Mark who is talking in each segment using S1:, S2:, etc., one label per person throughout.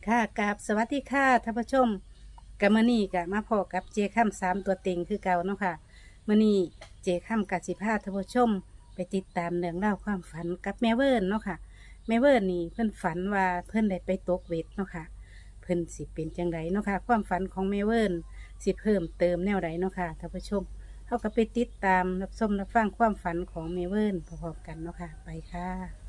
S1: ค่ะกราบสวัสดีค่ะท่านผู้ชมกับมื้อนี้ก็มาพอกับเจค่ำ3ตัวเต็งคือเก่าเนาะค่ะมื้อนี้เจค่ำกับสิพาท่านผู้ชมไปติดตามเรื่องราวความฝันกับแม่เวิร์นเนาะค่ะแม่เวิร์นนี่เพิ่นฝันว่าเพิ่นได้ไปตกเวทเนาะค่ะเพิ่นสิเป็นจังไดเนาะค่ะความฝันของแม่เวิร์นสิเพิ่มเติมแนวใดเนาะค่ะท่านผู้ชมเฮาก็ไปติดตามรับชมรับฟังความฝันของแม่เวิร์นพร้อมๆกันเนาะค่ะไปค่ะ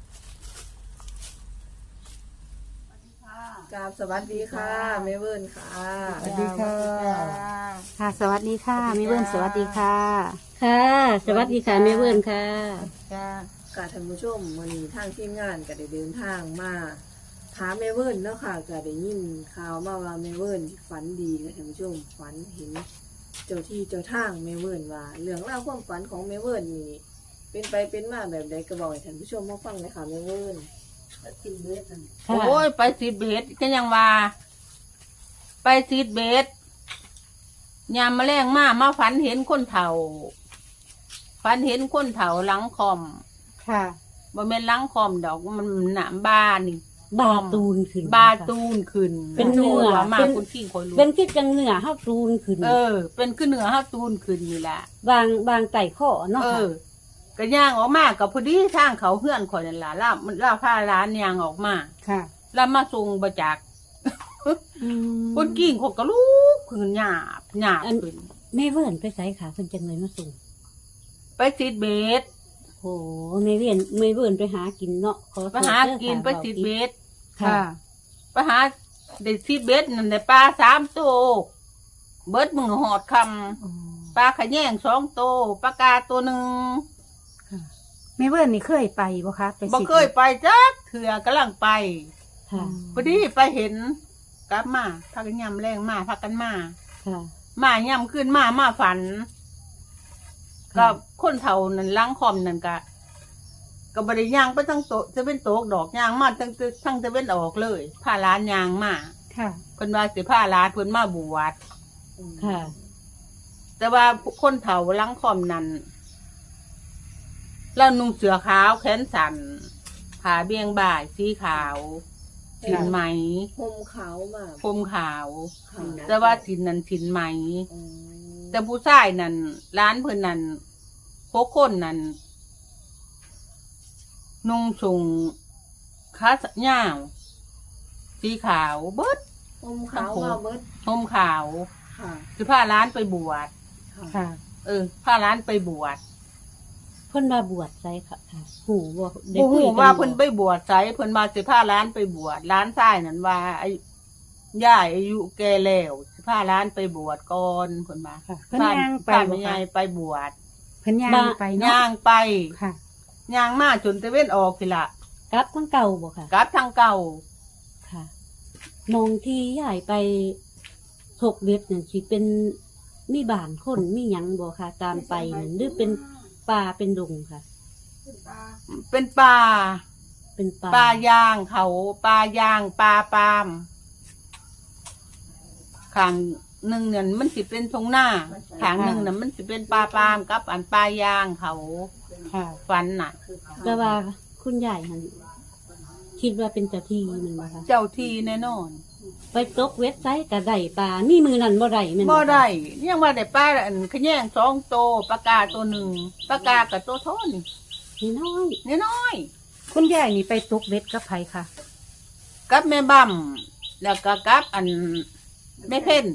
S2: กราบสวัสดีค่ะแม่เวิร์นค่ะ
S1: สวัสดีค่ะ ค่ะ สวัสดีค่ะแม่เวิร์นสวัสดีค่ะ
S3: ค่ะ สวัสดีค่ะแม่เวิร์นค่ะ
S1: ค่ะ
S2: กาท่านผู้ชมวันนี้ทางทีมงานก็ได้เดินทางมาถามแม่เวิร์นเนาะค่ะก็ได้ยินข่าวมาว่าแม่เวิร์นฝันดีค่ะท่านผู้ชมฝันเห็นเจ้าที่เจ้าทางแม่เวิร์นว่าเรื่องราวความฝันของแม่เวิร์นนี่เป็นไปเป็นมาแบบใดก็บอกให้ท่านผู้ชมมาฟังเลยค่ะแม่เวิร์น
S3: ค่ะ
S4: โอ้ยไปซีดเบสก็ยังว่า ไปซีดเบสยามมาแรงมาฝันเห็นคนเฒ่าฝันเห็นคนเฒ่าหลังคอม
S1: ค่ะ
S4: บ่แม่นหลังคอมดอกมันหนามบ้านนี่
S3: บาตูนขึ้น
S4: บาตูนขึ้น
S3: เป็นเนื้อ
S4: ว่ามา
S3: เป็น
S4: คุณขี้คอยรู้
S3: เป็นคิดจังเหนือห้าตูนขึ้น
S4: เป็นขึ้นเหนือห้าตูนขึ้นนี่แหละ
S3: บางไต่ข้อเนาะค่ะ
S4: ก็ย่างออกมากับพอดีทางเขาเพื่อนข่อยนั่นล่ะล่าพาร้านย่างออกมา
S1: ค่ะ
S4: แล้วมาส่งบ่จัก คนกิ่งเขาก็ลุกขึ้นหยาบขึ้น
S3: แม่เวิร์นไปใส่ขาเพิ่นจังเลยมาส่ง
S4: ไปซีดเบส
S3: โอ้แม่เวิร์นไปหากินเนาะขอโทษ
S4: ไปหากิน
S3: เด้อค่ะ
S4: ไปซีดเบส
S3: ค่ะ
S4: ไปหาได้ซีดเบสนั่นได้ปลา3 ตัวเบิดมือหอดคำปลาขะแยง2 ตัวปลากาตัวหนึ่ง
S1: แม่เวิร์นนี่เคยไปบ่คะไป
S4: บ่เคยไปจักเถื่อกำลังไป
S3: ค่ะ
S4: พอดีไปเห็นกลับมาพากันยำแรงมาพากันมา
S3: ค่ะ
S4: มายำขึ้นมาฝัน ก็คนเฒ่านั่นล้างคอมนั่นก็บริย่างไปทั้งโตจะเป็นโตกดอกย่างมาทั้งจะเป็นออกเลยผ้าร้านย่างมา
S1: ค่ะ
S4: เพิ่นว่าสิผ้าร้านเพิ่นมาบวช
S3: ค่ะ
S4: แต่ว่าคนเฒ่าล้างคอมนั่นแล้วนุ่งเสื้อขาวแขนสั้นผ้าเบี่ยงบ่ายสีขาวถินไหม
S2: ห่มขาวมาก
S4: ผมขาว
S2: ค่ะ
S4: แต่ว่าถินนั้นถินไหม
S2: อืม
S4: แต่ผู้ชายนั่นร้านเพิ่นนั่นพวกคนนั่นนุ่งสูงขาหน้าวสีขาวเบิด
S2: ห่มขาวมาเบิด
S4: ห่มขาว
S2: ค่ะ
S4: คือพาร้านไปบวช
S1: ค่ะ
S4: พาร้านไปบวช
S3: เพิ่นมาบวชใส่ค่ะหูบ่ได้
S4: โอ้
S3: คุ
S4: โห
S3: ยกัน
S4: ว่า
S3: บ่
S4: เพิ่นไปบวชไสเพิ่นมาสิพาร้านไปบวชร้านทรายนั่นว่าย่ายอายุแก่แล้วสิพาร้านไปบวชก่อนเพิ่นมา
S1: ค่ะเพิ่นย่างไป
S4: พา
S1: บ่
S4: แม่
S1: คะ
S4: ยายไปบวช
S1: เพิ่นย่างไปเนาะ
S4: ย่างไป
S1: ค่ะ
S4: ย่างมาจนตะเว้นออกสิละ
S3: กลับทั้งเก่าบ่ค่ะ
S4: กลับทางเก่า
S3: ค่ะมองที่ยายไปถกเบ็ดนั่นสิเป็นมีบ้านคนมีหยังบ่ค่ะ ตามไปนั่นหรือเป็นป่าเป็นดงค่ะ
S4: เป็นป่า
S3: เป็นป่า
S4: ป่ายางเขาป่ายางป่าปาล์มข้างหนึ่งเนี่ยมันสิเป็นทงหน้าข้างหนึ่งน่ะมันสิเป็นป่าปาล์มกับอันป่ายางเขา
S1: ค่ะ
S4: ฟันน่ะ
S3: แต่ว่าคุณยายหันคิดว่าเป็นเจ้าที่มันบ่คะ
S4: เจ้าทีแน่นอน
S3: ไปตกเว็บไซต์กระไดป่ามีมือนั่นบ่ได้แม่น
S4: บ่ได้ยังว่าได้ป้าอันขะแยง2 ตัวปลากาตัวหนึ่งปลากากับตัวโทน
S3: นี่น้อย
S4: น้อย
S1: คุณยายนี่ไปตกเบ็ดกับไผค่ะ
S4: ๆกับแม่บั่มแล้วก็กับอันแม่เพ่น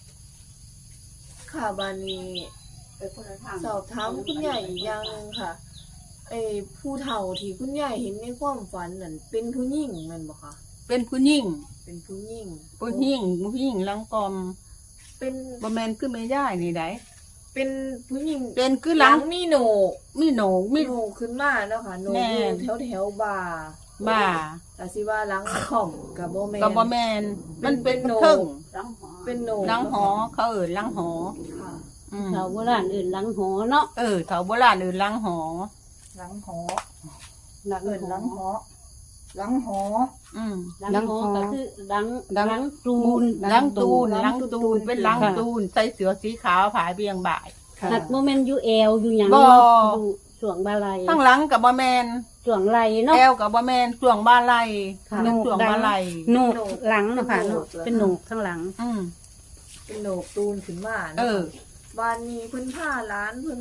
S2: ค่ะบานนี้สอบถามคุณใหญ่อีกอย่างหนึงค่ะไอ้ผู้เฒ่าที่คุณใหญ่เห็นในความฝันนั่นเป็นผู้หญิงแมันบ่คะ
S4: เป็นผู้หญิง
S2: เป็นผู้หญิง
S4: ผู้หญิงหลังกอม
S2: เป็น
S4: บ่แม่นคือแม่ย่ายนี่ได้
S2: เป็นผู้หญิง
S4: เป็นคือ
S2: ห
S4: ห
S2: ลั
S4: ลั
S2: ง
S4: ง
S2: มีโหนก
S4: มีโหนกมี
S2: โหนกขึ้นมาเนาะค่ะโหนก
S4: แม่
S2: อยู่แถวบ่า
S4: บ่า
S2: แต่สิว่าหลังข่อมกับบ่แม่น
S4: ก็บ่แม่นมันเป็น
S2: เป็นโหนก
S4: เทิง
S2: เป็นโหนก
S4: หลังหอเขาเอิ้นหลังหอ
S2: ค่ะ
S4: อืม
S3: ชาวโบราณอื่นหลังหอเนาะ
S4: แถวโบราณเอิ้นหลังหอ
S5: หลังหอ
S3: หลัง
S5: เอิน
S3: ห
S5: หลั
S3: อง
S5: หอ หลังหอ
S4: อืม
S3: หลังหอก็คือหลังตูน
S4: หลังตูนเป็นหลังตูนใส่เสื้อสีขาวผายเบียงบ่าย
S1: ค่ะ
S3: หัดโมเมนต์อยู่แอลอยู่หยัง
S4: บ่
S3: เนาะอยู่ช่วงบาลัย
S4: ข้างหลังกับบ่แม่น
S3: ช่วงไหลเนาะ
S4: แอวกับบ่แม่นช่วงบ่าไหล
S3: ค่ะ
S4: เป็นช่วงบ่าไหล
S1: โหนกหลังเนาะค่ะเนาะเป็นโหนกทั้งหลัง
S4: อืม
S2: เป็นโหนกตูนขึ้นมา
S4: เออ
S2: บ้านนี้เพิ่นพาหลานเพิ่น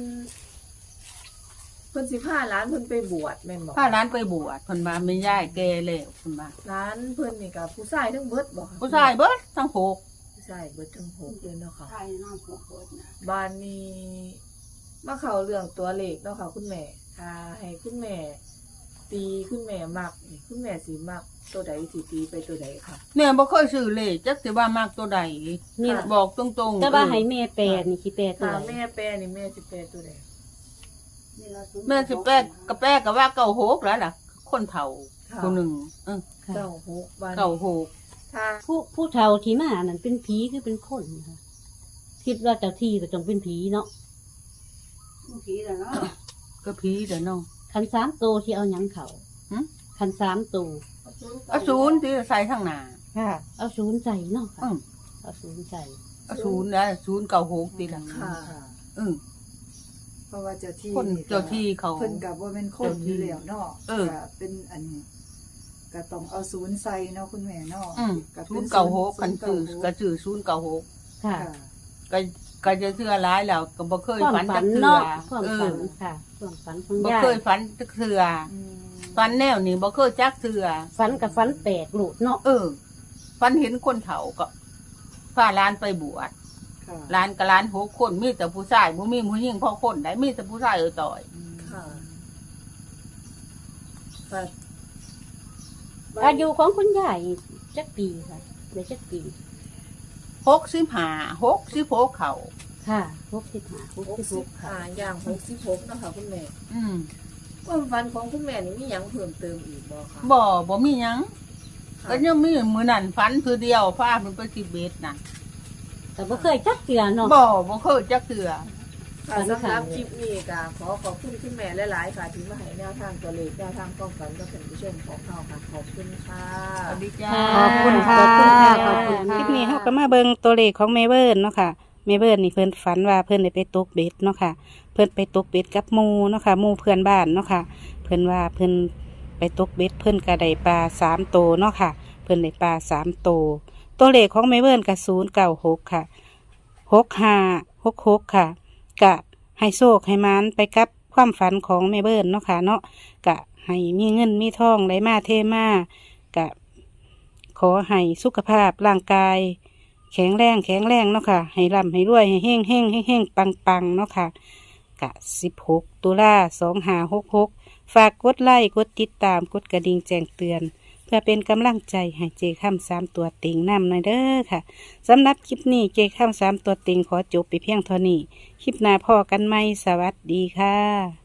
S2: สิพาหลานเพิ่นไปบวชแม่นบ่
S4: พาร้านไปบวชเพิ่นว่าแม่ยายแก่แล้วเพิ่นว่า
S2: หลานเพิ่นนี่ก็ผู้ชายทั้งเบิดบ่คะ
S4: ผู้ชายเบิดทั้งหก
S2: ผู้ชายเบิดทั้งหกเลยเนาะค่ะ
S5: ไทยน้ำหัวโคตรนะ
S2: บ้านนี้มาเข้าเรื่องตัวเลขเนาะค่ะคุณแม่ถ้าให้คุณแม่ ตีคุณแม่มักนี่คุณแม่สิมักตัวใดสิตีไปตัวใดค่ะ
S4: แม่บ่เคยซื้อเลขจักสิว่ามากตัวใด
S3: นี่
S4: บอกตรงๆ
S3: แต่ว่า
S4: เออ
S3: ให้แม่แปลนี่สิแปลตัว
S2: ถ้า
S3: ใด
S2: แม่แปลนี่แม่สิแปลตัวใด
S4: แม่สิแป้ก็แป้ก็ว่าเก่าโหกแล้วล่ะ คนเฒ่า
S2: ค่ะ
S4: คนหนึ่ง
S2: เก้าหกบ้าน
S4: เก่าโหก
S2: ถ้า
S3: ผู้เฒ่าที่มานั่นเป็นผีคือเป็นคนค่ะคิดว่าเจ้าที่ก็ต้องเป็นผีเนาะ
S5: ผีแล้วเนาะ
S4: ก็ผีเด้อน้อง
S3: คัน3โตวที่เอาหยังเขา
S4: หึ
S3: คัน3โตว
S4: เอาศูนย์ที่ใส่ข้างหน้า
S1: ค่ะ
S3: เอา0ใส่เนาะค่ะ
S4: อืม
S3: เอา0ใส่
S4: เอาศูนย์นะศูนย์เก่าโหกติล่ะ
S2: ค่ะ
S4: อือ
S5: เพราะว่าเจ้าที่
S4: คนเจ้าที่เขา
S5: เพิ่นกับว่าเป็นคนอยู่แล้วเนาะ
S4: เออ
S5: ก็เป็นอันก็ต้องเอาศูนย์ใส่เนาะคุณแม่เนาะ
S4: อืม
S5: ก็
S4: ศู
S5: ป็
S4: นย์เก่าโหกคัน
S5: ศู
S4: ซื้อ
S5: ย์
S4: ก็
S5: เก้าห
S4: ซื้อศูนย์เก่าโหก
S3: ค่ะ
S5: ค่ะ
S4: ก็จะเชื่อร้ายแล้วก็บ่เคย
S3: ความ
S4: ฝัน
S3: ฝั
S4: จั
S3: น
S4: กเทื่อ
S3: เนาะความ
S4: เอ
S3: ฝั
S4: อน
S3: ค่ะความฝันของ
S4: บ่
S3: ยาย
S4: เคยฝันจักเทื่อ
S5: อืม
S4: ฝันแนวนี้บ่เคยจักเทื่อ
S3: ฝันกับฝันแปลกโลดเนาะ
S4: เออฝันเห็นคนเฒ่าก็พาหลานไปบวช
S5: ค่ะ
S4: หลานกับหลาน6คนมีแต่ผู้ชายบ่มีผู้หญิงพอคนได้มีแต่ผู้ชายต่อย
S5: อืม
S2: ค่ะค่ะ
S3: อายุของคุณยายจักปีค่ะได้จักปี
S4: 65เขา
S3: ค่ะ65 66
S2: อย่าง66นะคะคุณแม่
S4: อืม
S2: ความฝันของคุณแม่นี่มีหยังเพิ่มเติมอีกบ่คะ
S4: บ่มีหยัง
S2: ค่ะ
S4: ก็ยังมีมื้อนั้นฝันคือเดียวพาเพิ่นไปทิเบตน่ะ
S3: แต่บ่เคยจักเทื่อเนาะ
S4: บ่เคยจักเทื่อ
S2: ค่ะสำหรับคลิปนี้ก็ขอขอบคุณคุณแม่หลายๆค่ะที่มาให้แนวทางตัวเลขแนวทางความฝันกับท่านผู้ชมของเราค่ะขอบคุณค่ะ
S4: สวัสดีจ้า
S1: ขอบคุณค่ะ
S3: ขอบคุณค่ะขอบคุณ
S1: ค
S3: ค่ะ
S1: ลิปนี้เฮาก็มาเบิ่งตัวเลขของแม่เบิร์นเนาะค่ะแม่เบิร์นนี่เพิ่นฝันว่าเพิ่นได้ไปตกเบ็ดเนาะค่ะ เพิ่นไปตกเบ็ดกับหมู่เนาะค่ะหมู่เพื่อนบ้านเนาะค่ะ เพิ่นว่าเพิ่นไปตกเบ็ดเพิ่นก็ได้ปลา3 ตัวเนาะค่ะ เพิ่นได้ปลา3 ตัวตัวเลขของแม่เบิร์นก็096ค่ะ6566ค่ะกะให้โชคให้มานไปกับความฝันของแม่เบิร์นเนาะค่ะเนาะกะให้มีเงินมีทองไหลมาเทมากะ ขอให้สุขภาพร่างกาย แข็งแรงเนาะค่ะให้ร่ำให้รวยให้เฮ่งปังเนาะค่ะกะ16 ตุลา2566ฝากกดไลค์กดติดตามกดกระดิ่งแจ้งเตือน เพื่อเป็นกำลังใจให้เจค่ำ3 ตัวเต็งนำหน่อยเด้อค่ะสำหรับคลิปนี้เจค่ำ3 ตัวเต็งขอจบไปเพียงเท่านี้คลิปหน้าพอกันไหมสวัสดีค่ะ